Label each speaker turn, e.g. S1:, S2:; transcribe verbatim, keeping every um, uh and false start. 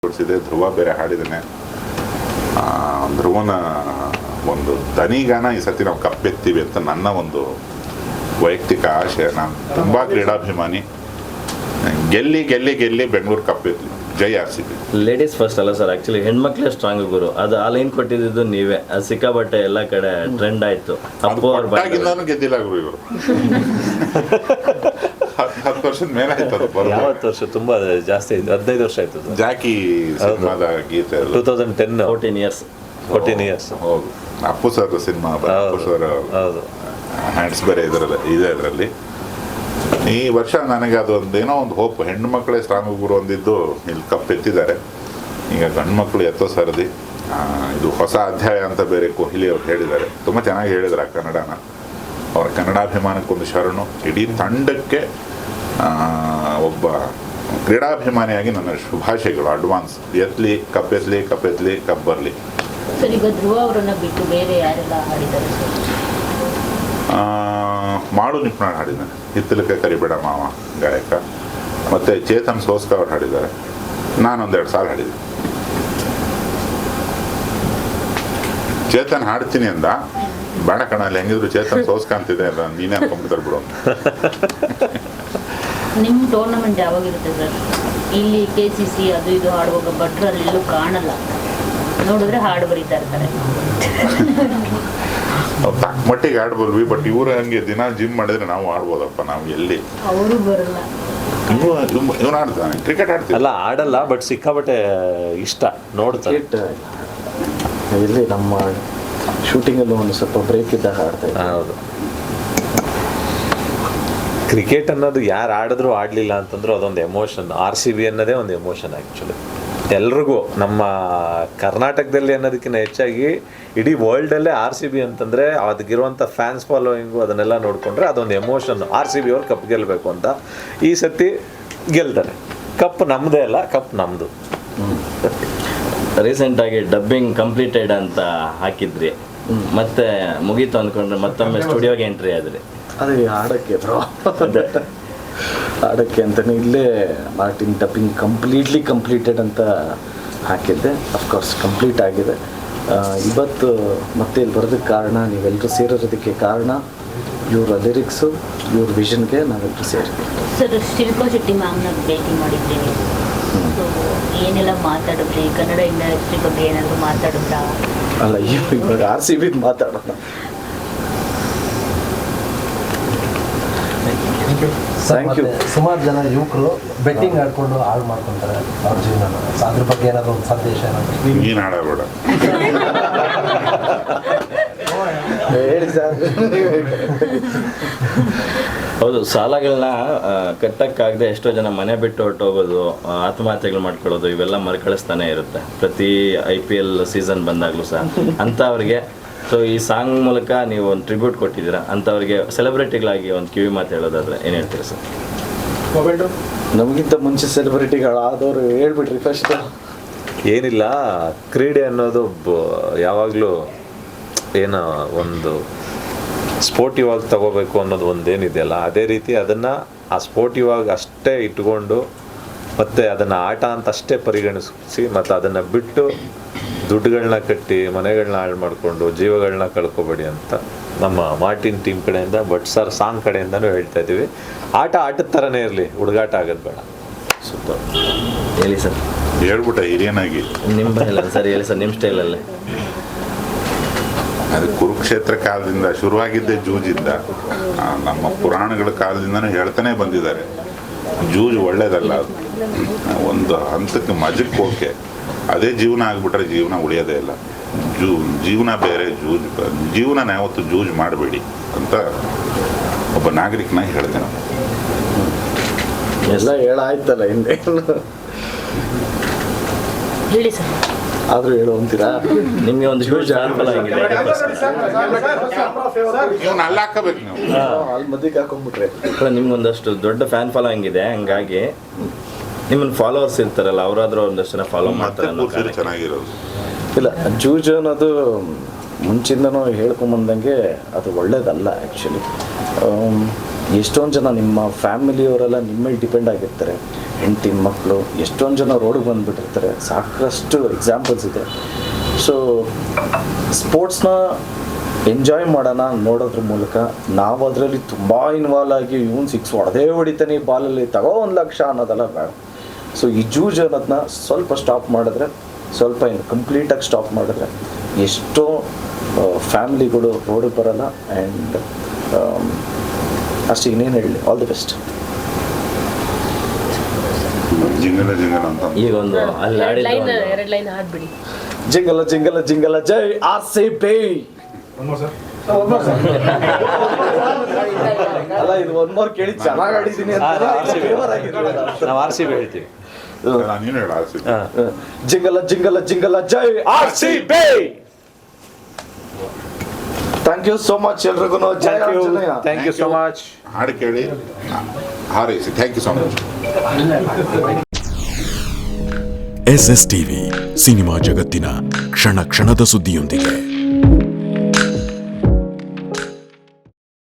S1: ತೋರಿಸಿದೆ. ಧ್ರುವ ಬೇರೆ ಹಾಡಿದ್ದಾನೆ. ಧ್ರುವನ ಒಂದು ದನಿಗಾನ ಈ ಸತಿ ನಾವು ಕಪ್ಪೆತ್ತೀವಿ ಅಂತ ನನ್ನ ಒಂದು ವೈಯಕ್ತಿಕ ಆಶೆ. ನಾನು ತುಂಬ ಕ್ರೀಡಾಭಿಮಾನಿ. ಗೆಲ್ಲಿ ಗೆಲ್ಲಿ ಗೆಲ್ಲಿ ಬೆಂಗಳೂರು ಕಪ್ಪೆತ್ಲಿ. ಜೈ R C B.
S2: Ladies first ಅಲ್ಲ ಸರ್, ಆಕ್ಚುಲಿ ಹೆಣ್ಮಕ್ಳೇ ಸ್ಟ್ರಾಂಗ್ ಗುರು. ಅದು ಆ ಲೈನ್ ಕೊಟ್ಟಿದ್ದು ನೀವೇ. ಅದು ಸಿಕ್ಕಾಬಟ್ಟೆ ಎಲ್ಲ ಕಡೆ ಟ್ರೆಂಡ್ ಆಯ್ತು. ಅಪ್ಪು ಅವ್ರು
S1: ಗೆದ್ದಿಲ್ಲ ಗುರು ಇವರು. ಹತ್ತು ವರ್ಷದ ಮೇಲೆ ಆಯ್ತು.
S3: ಯಾವತ್ತು ವರ್ಷ ತುಂಬಾ ಜಾಸ್ತಿ ಆಯ್ತು, ಹದಿನೈದು ವರ್ಷ ಆಯ್ತು.
S1: ಜಾಕಿ ಸಿನಿಮಾದ ಗೀತೆ
S3: two thousand ten
S2: fourteen years
S3: fourteen years
S1: ಹೌದು. Appu sir cinema, Appu sir hands ಬೇರೆ ಇದರಲ್ಲಿ ಇದೆ. ಅದರಲ್ಲಿ ಈ ವರ್ಷ ನನಗೆ ಅದೊಂದು ಏನೋ ಒಂದು ಹೋಪ್. ಹೆಣ್ಣು ಮಕ್ಕಳೇ ಸ್ಟ್ರಾಂಗ್ ಗುರು ಒಂದಿದ್ದು ಇಲ್ಲಿ ಕಪ್ಪೆತ್ತಿದ್ದಾರೆ. ಈಗ ಗಂಡು ಮಕ್ಕಳು ಎತ್ತೋ ಸರದಿ. ಇದು ಹೊಸ ಅಧ್ಯಾಯ ಅಂತ ಬೇರೆ ಕೊಹ್ಲಿ ಅವ್ರು ಹೇಳಿದ್ದಾರೆ. ತುಂಬ ಚೆನ್ನಾಗಿ ಹೇಳಿದ್ರು ಆ ಕನ್ನಡನ. ಅವರ ಕನ್ನಡಾಭಿಮಾನಕ್ಕೊಂದು ಶರಣು. ಇಡೀ ತಂಡಕ್ಕೆ ಒಬ್ಬ ಕ್ರೀಡಾಭಿಮಾನಿಯಾಗಿ ನನ್ನ ಶುಭಾಶಯಗಳು. ಅಡ್ವಾನ್ಸ್. ಎತ್ತಲಿ ಕಪ್ಪೆತ್ಲಿ ಕಪ್ಪೆತ್ಲಿ ಕಪ್ ಬರಲಿ.
S4: ಸರ್, ಈಗ ಧ್ರುವ ಅವರನ್ನ ಬಿಟ್ಟು ಬೇರೆ ಯಾರೆಲ್ಲ ಹಾಡಿದ್ದಾರೆ?
S1: ಮಾಡು ನಿಪ್ನಾಳ್ ಹಾಡಿದ್ದಾನೆ. ಹಿತ್ತಲಕ್ಕೆ ಕರಿಬೇಡ ಮಾವ ಗಾಯಕ. ಮತ್ತು ಚೇತನ್ ಸೋಸ್ಕ ಅವ್ರು ಹಾಡಿದ್ದಾರೆ. ನಾನೊಂದೆರಡು ಸಾಲ ಹಾಡಿದ್ದೆ. ಚೇತನ್ ಹಾಡ್ತೀನಿ ಅಂದ. ಬೇಡ ಕಣ, ಅಲ್ಲಿ ಹೆಂಗಿದ್ರು ಚೇತನ್ ಸೋಸ್ಕ ಅಂತಿದೆ ಅಲ್ಲ, ನೀನೇ ಅನ್ಕೊಂಡ್ಬಿಡ್ತಾರೆ ಬಿಡು.
S4: ನಿಮ್ಮ ಟೂರ್ನಮೆಂಟ್ ಯಾವಾಗಿರುತ್ತೆ ಸರ್? ಇಲ್ಲಿ ಕೆ ಸಿ ಸಿ ಅದು ಇದು ಹಾಡುವಾಗ ಭಟ್ರಲ್ಲಿ ಎಲ್ಲೂ ಕಾಣಲ್ಲ. ನೋಡಿದ್ರೆ ಹಾಡು ಬರೀತಾ ಇರ್ತಾರೆ.
S1: ತಕ್ಕ ಮಟ್ಟಿಗೆ ಆಡ್ಬೋದ್ವಿ. ಬಟ್ ಇವ್ರು ಹಂಗೆ ದಿನ ಜಿಮ್ ಮಾಡಿದ್ರೆ ನಾವು ಆಡ್ಬೋದಪ್ಪ. ನಾವು ಎಲ್ಲಿ
S4: ಅವರು ಬರಲ್ಲ.
S1: ಇವನು ಆಡ್ತಾನೆ, ಕ್ರಿಕೆಟ್ ಆಡ್ತೀವಿ.
S3: ಅಲ್ಲ ಆಡಲ್ಲ, ಬಟ್ ಸಿಕ್ಕಾಬಟ್ಟೆ ಇಷ್ಟ ನೋಡ್ತಾರೆ.
S5: ಇಲ್ಲಿ ನಮ್ಮ ಶೂಟಿಂಗಲ್ಲಿ ಒಂದು ಸ್ವಲ್ಪ ಬ್ರೇಕ್ ಇದ್ದಾಗ ಆಡ್ತಾ ಇದ್ದೆ.
S3: ಹೌದು. ಕ್ರಿಕೆಟ್ ಅನ್ನೋದು ಯಾರು ಆಡಿದ್ರು ಆಡಲಿಲ್ಲ ಅಂತಂದ್ರೂ ಅದೊಂದು ಎಮೋಷನ್. ಆರ್ ಸಿ ಬಿ ಅನ್ನೋದೇ ಒಂದು ಎಮೋಷನ್ ಆ್ಯಕ್ಚುಲಿ ಎಲ್ರಿಗೂ. ನಮ್ಮ ಕರ್ನಾಟಕದಲ್ಲಿ ಅನ್ನೋದಕ್ಕಿಂತ ಹೆಚ್ಚಾಗಿ ಇಡೀ ವರ್ಲ್ಡಲ್ಲೇ ಆರ್ ಸಿ ಬಿ ಅಂತಂದರೆ ಅದಕ್ಕಿರುವಂಥ ಫ್ಯಾನ್ಸ್ ಫಾಲೋಯಿಂಗು ಅದನ್ನೆಲ್ಲ ನೋಡಿಕೊಂಡ್ರೆ ಅದೊಂದು ಎಮೋಷನ್. ಆರ್ ಸಿ ಬಿ ಅವ್ರು ಕಪ್ ಗೆಲ್ಲಬೇಕು ಅಂತ. ಈ ಸತಿ ಗೆಲ್ತಾರೆ. ಕಪ್ ನಮ್ಮದೇ ಅಲ್ಲ, ಕಪ್ ನಮ್ಮದು.
S2: ರೀಸೆಂಟಾಗಿ ಡಬ್ಬಿಂಗ್ ಕಂಪ್ಲೀಟೆಡ್ ಅಂತ ಹಾಕಿದ್ರಿ, ಮತ್ತೆ ಮುಗೀತು ಅಂದ್ಕೊಂಡ್ರೆ ಮತ್ತೊಮ್ಮೆ ಸ್ಟುಡಿಯೋಗೆ ಎಂಟ್ರಿ ಆದ್ರಿ.
S5: ಅದೇ ಆಡೋಕ್ಕೆ ಬ್ರೋ, ಆಡೋಕ್ಕೆ ಅಂತಲೇ ಇಲ್ಲೇ ಮಾರ್ಟಿನ್ ಡಬ್ಬಿಂಗ್ ಕಂಪ್ಲೀಟ್ಲಿ ಕಂಪ್ಲೀಟೆಡ್ ಅಂತ ಹಾಕಿದ್ದೆ. ಅಫ್ಕೋರ್ಸ್ ಕಂಪ್ಲೀಟ್ ಆಗಿದೆ. ಇವತ್ತು ಮತ್ತೆ ಇಲ್ಲಿ ಬರೋದಕ್ಕೆ ಕಾರಣ, ನೀವೆಲ್ಲರೂ ಸೇರೋದಕ್ಕೆ ಕಾರಣ ಇವರ ಲಿರಿಕ್ಸು, ಇವ್ರ ವಿಷನ್ಗೆ ನಾವೆಲ್ಲರೂ ಸೇರಿದ್ವಿ.
S4: ಸರ್, ಶಿಲ್ಪಾ ಶೆಟ್ಟಿ ಮ್ಯಾಮ್ನ ಭೇಟಿ ಮಾಡಿದ್ದೀನಿ. ಸೊ ಏನೆಲ್ಲ ಮಾತಾಡಿದ್ರಿ? ಕನ್ನಡ ಇಂಡಸ್ಟ್ರಿ ಬಗ್ಗೆ ಏನಾದರೂ ಮಾತಾಡಿದ್ರಾ?
S5: ಅಲ್ಲ, ಇವಾಗ ಆರ್ ಸಿ ಬಿದು ಮಾತಾಡೋಣ. Thank you.
S6: ಸುಮಾರು ಜನ ಯುವಕರು ಬೆಟ್ಟಿಂಗ್ ಆಡ್ಕೊಂಡು ಹಾಳು ಮಾಡ್ಕೊತಾರೆ ಅವ್ರ ಜೀವನ. ಅದ್ರ ಬಗ್ಗೆ ಏನಾದ್ರು ಒಂದು ಸಂದೇಶ ಏನಾದ್ರು?
S1: ನೀನು ಹಾಡಬೇಡ.
S5: ಹೇಳಿ ಸರ್.
S2: ಹೌದು, ಸಾಲಗಳನ್ನ ಕಟ್ಟಕ್ಕಾಗದೆ ಎಷ್ಟೋ ಜನ ಮನೆ ಬಿಟ್ಟು ಹೊರಟೋಗೋದು, ಆತ್ಮಹತ್ಯೆಗಳು ಮಾಡ್ಕೊಳ್ಳೋದು, ಇವೆಲ್ಲ ಮರುಕಳಿಸ್ತಾನೆ ಇರುತ್ತೆ ಪ್ರತಿ ಐ ಪಿ ಎಲ್ ಸೀಸನ್ ಬಂದಾಗಲೂ ಸಹ. ಅಂಥವ್ರಿಗೆ ಸೊ ಈ ಸಾಂಗ್ ಮೂಲಕ ನೀವು ಒಂದು ಟ್ರಿಬ್ಯೂಟ್ ಕೊಟ್ಟಿದ್ದೀರಾ. ಅಂಥವ್ರಿಗೆ ಸೆಲೆಬ್ರಿಟಿಗಳಾಗಿ ಒಂದು ಕಿವಿ ಮಾತು ಹೇಳೋದಾದ್ರೆ ಏನು ಹೇಳ್ತೀರಿ ಸರ್?
S5: ನಮಗಿಂತ ಮುಂಚೆ ಸೆಲೆಬ್ರಿಟಿಗಳಾದವರು ಹೇಳ್ಬಿಟ್ರಿ ಫಸ್ಟ್.
S3: ಏನಿಲ್ಲ, ಕ್ರೀಡೆ ಅನ್ನೋದು ಯಾವಾಗಲೂ ಏನೋ ಒಂದು ಸ್ಪೋರ್ಟಿವ್ ಆಗಿ ತಗೋಬೇಕು ಅನ್ನೋದು ಒಂದೇನಿದೆಯಲ್ಲ, ಅದೇ ರೀತಿ ಅದನ್ನು ಆ ಸ್ಪೋರ್ಟಿವ್ ಆಗಿ ಅಷ್ಟೇ ಇಟ್ಕೊಂಡು ಮತ್ತು ಅದನ್ನು ಆಟ ಅಂತ ಅಷ್ಟೇ ಪರಿಗಣಿಸಿ, ಮತ್ತು ಅದನ್ನು ಬಿಟ್ಟು ದುಡ್ಡುಗಳನ್ನ ಕಟ್ಟಿ ಮನೆಗಳನ್ನ ಹಾಳು ಮಾಡಿಕೊಂಡು ಜೀವಗಳನ್ನ ಕಳ್ಕೊಬೇಡಿ ಅಂತ ನಮ್ಮ ಮಾರ್ಟಿನ್ ಟೀಮ್ ಕಡೆಯಿಂದ, ಬಟ್ ಸರ್ ಸಾಂಗ್ ಕಡೆಯಿಂದನೂ ಹೇಳ್ತಾ ಇದ್ದೀವಿ. ಆಟ ಆಟದ ಥರನೇ ಇರಲಿ, ಹುಡುಗಾಟ ಆಗೋದು ಬೇಡ.
S2: ಸೂಪರ್. ಹೇಳಿ ಸರ್.
S1: ಹೇಳ್ಬಿಟ್ಟ ಹಿರಿಯನಾಗಿ.
S2: ನಿಮ್ಮ ಇಲ್ಲ ಸರ್, ಹೇಳಿ ಸರ್ ನಿಮ್ಮ ಸ್ಟೈಲಲ್ಲೇ.
S1: ಅದು ಕುರುಕ್ಷೇತ್ರ ಕಾಲದಿಂದ ಶುರುವಾಗಿದ್ದೇ ಜೂಜಿಂದ. ನಮ್ಮ ಪುರಾಣಗಳ ಕಾಲದಿಂದನೂ ಹೇಳ್ತಾನೆ ಬಂದಿದ್ದಾರೆ, ಜೂಜು ಒಳ್ಳೇದಲ್ಲ. ಒಂದು ಹಂತಕ್ಕೆ ಮಜಕ್ಕೆ ಓಕೆ, ಅದೇ ಜೀವನ ಆಗಿಬಿಟ್ರೆ ಜೀವನ ಉಳಿಯೋದೇ ಇಲ್ಲ. ಜೂ ಜೀವನ ಬೇರೆ, ಜೂಜ್ ಜೀವನ ಯಾವತ್ತು ಜೂಜ್ ಮಾಡಬೇಡಿ ಅಂತ ಒಬ್ಬ ನಾಗರಿಕನಾಗಿ ಹೇಳ್ತೇನೆ.
S5: ಎಲ್ಲ ಹೇಳಾಯ್ತಲ್ಲ ಹಿಂದೆ,
S4: ಹೇಳಿ ಸರ್.
S5: ಆದರೂ ಹೇಳು ಅಂತೀರಾ?
S2: ನಿಮಗೆ ಒಂದು ಹ್ಯೂಜ್ ಫ್ಯಾನ್ ಆಗಿದೆ.
S1: ಇವನ್ನ ಅಲ್ಲಿ ಹಾಕಬೇಕು ನೀವು,
S5: ಅಲ್ಲಿ ಮಧ್ಯಕ್ಕೆ ಹಾಕೊಂಡ್ಬಿಟ್ರೆ.
S2: ನಿಮ್ಗೊಂದಷ್ಟು ದೊಡ್ಡ ಫ್ಯಾನ್ ಫಾಲೋಯಿಂಗ್ ಇದೆ, ಹಂಗಾಗಿ ನಿಮ್ಮನ್ನು ಫಾಲೋವರ್ಸ್ ಇರ್ತಾರಲ್ಲ, ಅವರಾದ್ರೂ ಒಂದಷ್ಟು ಜನ ಫಾಲೋ ಮಾಡ್ತಾರೆ.
S1: ಚೆನ್ನಾಗಿರೋದು
S5: ಇಲ್ಲ, ಜೂಜು ಅನ್ನೋದು ಮುಂಚಿಂದನೂ ಹೇಳ್ಕೊಂಬಂದಂಗೆ ಅದು ಒಳ್ಳೇದಲ್ಲ ಆ್ಯಕ್ಚುಲಿ. ಎಷ್ಟೊಂದು ಜನ ನಿಮ್ಮ ಫ್ಯಾಮಿಲಿಯವರೆಲ್ಲ ನಿಮ್ಮ ಮೇಲೆ ಡಿಪೆಂಡ್ ಆಗಿರ್ತಾರೆ, ಹೆಂಡತಿ ಮಕ್ಕಳು, ಎಷ್ಟೊಂದು ಜನ ರೋಡಿಗೆ ಬಂದುಬಿಟ್ಟಿರ್ತಾರೆ. ಸಾಕಷ್ಟು ಎಕ್ಸಾಂಪಲ್ಸ್ ಇದೆ. ಸೊ ಸ್ಪೋರ್ಟ್ಸ್ನ ಎಂಜಾಯ್ ಮಾಡೋಣ ನೋಡೋದ್ರ ಮೂಲಕ. ನಾವು ಅದರಲ್ಲಿ ತುಂಬ ಇನ್ವಾಲ್ವ್ ಆಗಿ ಇವನು ಸಿಕ್ಸ್ ಹೊಡೆದೇ ಹೊಡಿತಾನೆ ಈ ಬಾಲಲ್ಲಿ ತಗೋ ಒಂದು ಲಕ್ಷ ಅನ್ನೋದೆಲ್ಲ ಬೇಡ. ಸೊ ಈ ಜೂಜ್ ಅನ್ನೋದನ್ನ ಸ್ವಲ್ಪ ಸ್ಟಾಪ್ ಮಾಡಿದ್ರೆ, ಸ್ವಲ್ಪ ಏನು ಕಂಪ್ಲೀಟಾಗಿ ಸ್ಟಾಪ್ ಮಾಡಿದ್ರೆ ಎಷ್ಟೋ ಫ್ಯಾಮಿಲಿಗಳು ರೋಡಿಗೆ ಬರೋಲ್ಲ. ಆ್ಯಂಡ್ ಅಷ್ಟು ಇನ್ನೇನು ಹೇಳಲಿ, all the best.
S1: Jingle jingle ಅಂತ
S2: ಈಗ ಒಂದು ಅಲ್ಲಿ
S7: ಎರಡು ಲೈನ್
S2: ಆಡಿದ್ರು
S7: ಎರಡು ಲೈನ್ ಹಾಡ್ಬಿಡಿ.
S5: ಜಿಂಗಲ ಜಿಂಗಲ ಜಿಂಗಲ ಜೈ ಆರ್ ಸಿ ಬಿ. ಅಲ್ಲ ಇದು ಒನ್ ಮೋರ್ ಕೇಳಿ ಚೆನ್ನಾಗಿ ಆಡಿದ್ದೀನಿ ಅಂತ
S3: ನಾವು ಆರ್ ಸಿ ಬಿ ಹೇಳ್ತೀವಿ.
S1: ನೀನು ಹೇಳ R C B.
S5: Jingle jingle jingle ಜೈ R C B. Thank you so much ಎಲ್ರಿಗೂ. ಜೈ Anjaneya.
S3: Thank you so much.
S1: ಹಾಡು ಕೇಳಿ ಹಾರೈಸಿ. Thank you so much.
S8: S S TV cinema ಜಗತ್ತಿನ ಕ್ಷಣ ಕ್ಷಣದ ಸುದ್ದಿಯೊಂದಿಗೆ.